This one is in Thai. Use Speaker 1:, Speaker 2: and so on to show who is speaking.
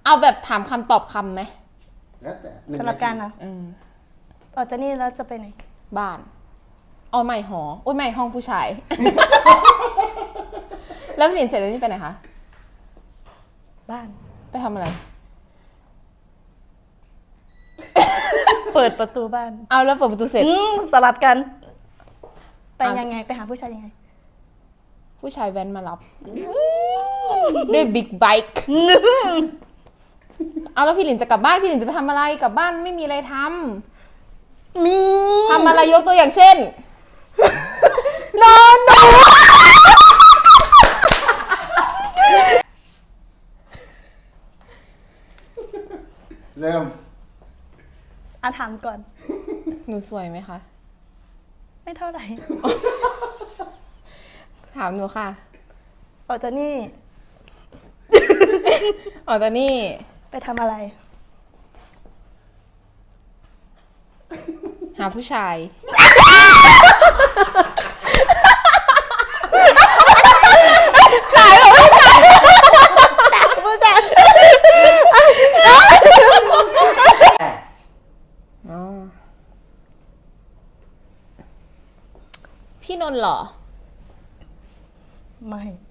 Speaker 1: เอาแบบถามคำตอบคำไหม
Speaker 2: แล้วแต่
Speaker 3: สำหรับการนะออกจากนี่แล้วจะไปไหน
Speaker 1: บ้านเอาใหม่หอโอ้ยใหม่ห้องผู้ชาย แล้วพี่หลินเสร็จแล้วนี่ไปไหนคะ
Speaker 3: บ้าน
Speaker 1: ไปทำอะไร
Speaker 3: เปิดประตูบ้าน
Speaker 1: เอาแล้วเปิดประตูเสร็จ
Speaker 3: สลับกัน ไปยังไงไปหาผู้ชายยังไง
Speaker 1: ผู้ชายแว้นมารับด้วยบิ๊กไบค์เอาแล้วพี่หลินจะกลับบ้านพี่หลินจะไปทำอะไรกลับบ้านไม่มีอะไรทำ
Speaker 3: มี
Speaker 1: ทำอะไรยกตัวอย่างเช่น
Speaker 3: นอนหนู
Speaker 2: เริ่ม
Speaker 3: ถามก่อน
Speaker 1: หนูสวยไหมคะ
Speaker 3: ไม่เท่าไหร่
Speaker 1: ถามหนูค่ะ
Speaker 3: ออกจากนี่
Speaker 1: อ๋อตอนนี้
Speaker 3: ไปทำอะไร
Speaker 1: หาผู้ชาย
Speaker 3: ผู้ชาย
Speaker 1: อ๋อ พี่นนท์เหรอ
Speaker 3: ไม่